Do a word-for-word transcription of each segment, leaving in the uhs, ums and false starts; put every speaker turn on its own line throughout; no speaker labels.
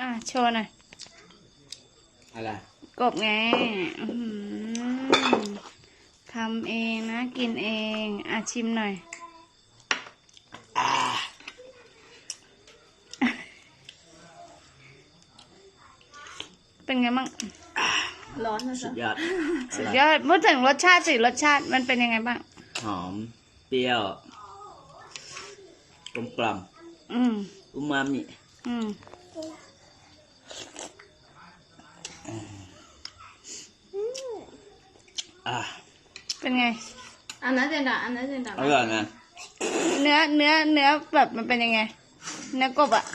โชว์หน่อย
อะไร
กบไงทำเองนะกินเองอ่ะชิมหน่อยเป็นไงบ้าง
ร้อนนะ
สุดยอด
สุดยอดพูดถึงรสชาติสิรสชาติมันเป็นยังไงบ้าง
หอมเปรี้ยวกลมกล่อม
อืม
อูมามิ
อืม
อ่ะ
เป็นไง
อันนั้นเจนดาอันนั้นเจนดา
อร่อยนะ
เนื้อเนื้อเนื้อแบบมันเป็นยังไงเนื้อกบอ่ะ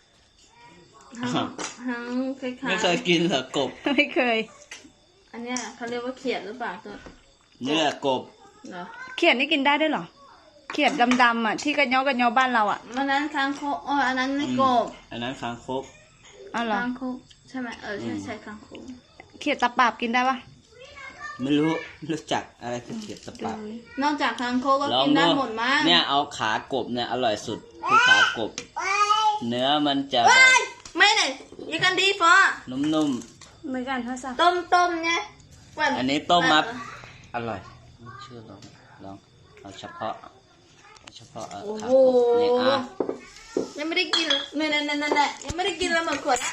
ทั้งคล้ายๆ
ไม่เคยกินเหรอกบ
ไม่เคย
อันเนี้ยเขาเรียกว่าเขียดหรือเปล่าตัว
เนื้อกบ
เหรอ
เขียดนี่กินได้ด้วยเหรอเขียดดำๆอ่ะที่กระยอกระยอบ้านเราอ่ะ
อันนั้นคางคกอ๋ออันนั้นไม่กบ
อันนั้นคางคก
อ๋อเหรอ
คางคกใช่ไหมเออใช่ใช่คางคก
เขียดตะปาบกินได้ปะ
ไม่รู้รู้จักอะไรคือเขียดตะปาบ
นอกจากคางคกก็กินได้หมดมั้ง
เนี่ยเอาขากบเนี่ยอร่อยสุดคือขากบเนื้อมันจะ
ไม่เลยยังกันดีฟอ
นุ่ม
ๆเหมือนกันท่าสั
ต้มต้มเนี่ย
อันนี้ต้มมัดอร่อยชื่อลองลองเอาเฉพาะเฉพาะเออขากบนี่อ่ะ
ยังไม่ได้กินเนี่ยเนี่ยเนี่ยเนี่ยยังไม่ได้กินแล้วหมดขวด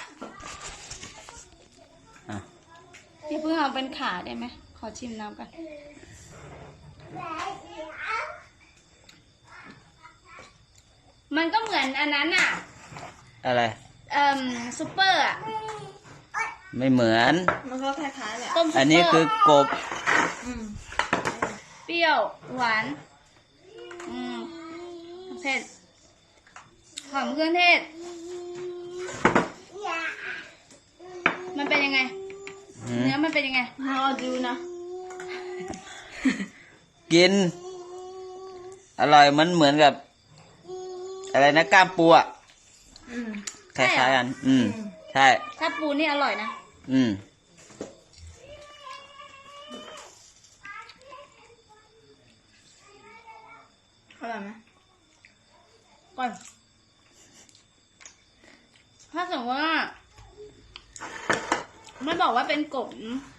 อ่ะ
พี่เพิ่งเอาเป็นขาได้ไหมขอชิมน้ำกันมันก็เหมือนอันนั้นอ่ะ
อะไร
เอ่อซุปเปอร์อ่ะ
ไม่เหมือน
มันก็คล้ายๆแหละ
อันนี้คือกบ
เปรี้ยวหวานอืมเผ็ดหอมเครื่องเทศมันเป็นยังไงเนื้อมันเป็นยังไง
ให้อดูนะ
กินอร่อยมันเหมือนกับอะไรนะก้ามปูอ่ะคล้ายๆกันอืมใช่
ถ้าปูนี่อร่อยนะ
อืม
อร่อยไหม
ก่อนถ้าสมมติว่าไม่บอกว่าเป็นกบ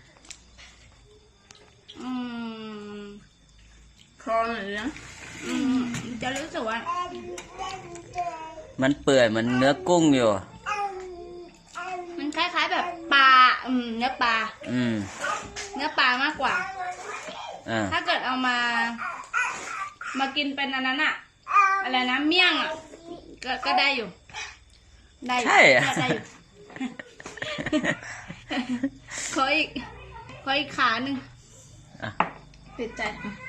อืม
คอหน่อยนะ
อืมจะรู้สึกว่า
มันเปื่อยเหมือนเนื้อกุ้งอยู่
มันคล้ายๆแบบปลาอืมเนื้อปลา
อืม
เนื้อปลามากกว่า
อ่า
ถ้าเกิดเอามามากินเป็นอันนั้นอะอะไรนะเมี่ยงอะก็ก็ได้อยู่ได้อยู่ได้อยู่ขออีกขออีกขาหนึ่ง
ติดใจ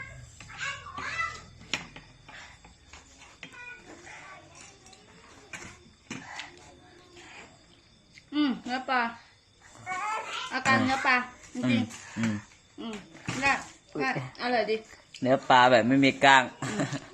อืมเนื้อปลาอาการเนื้อปลาจริง
อืม
อืมได้ได้อร่อยดี
เนื้อปลาแบบไม่มีก้าง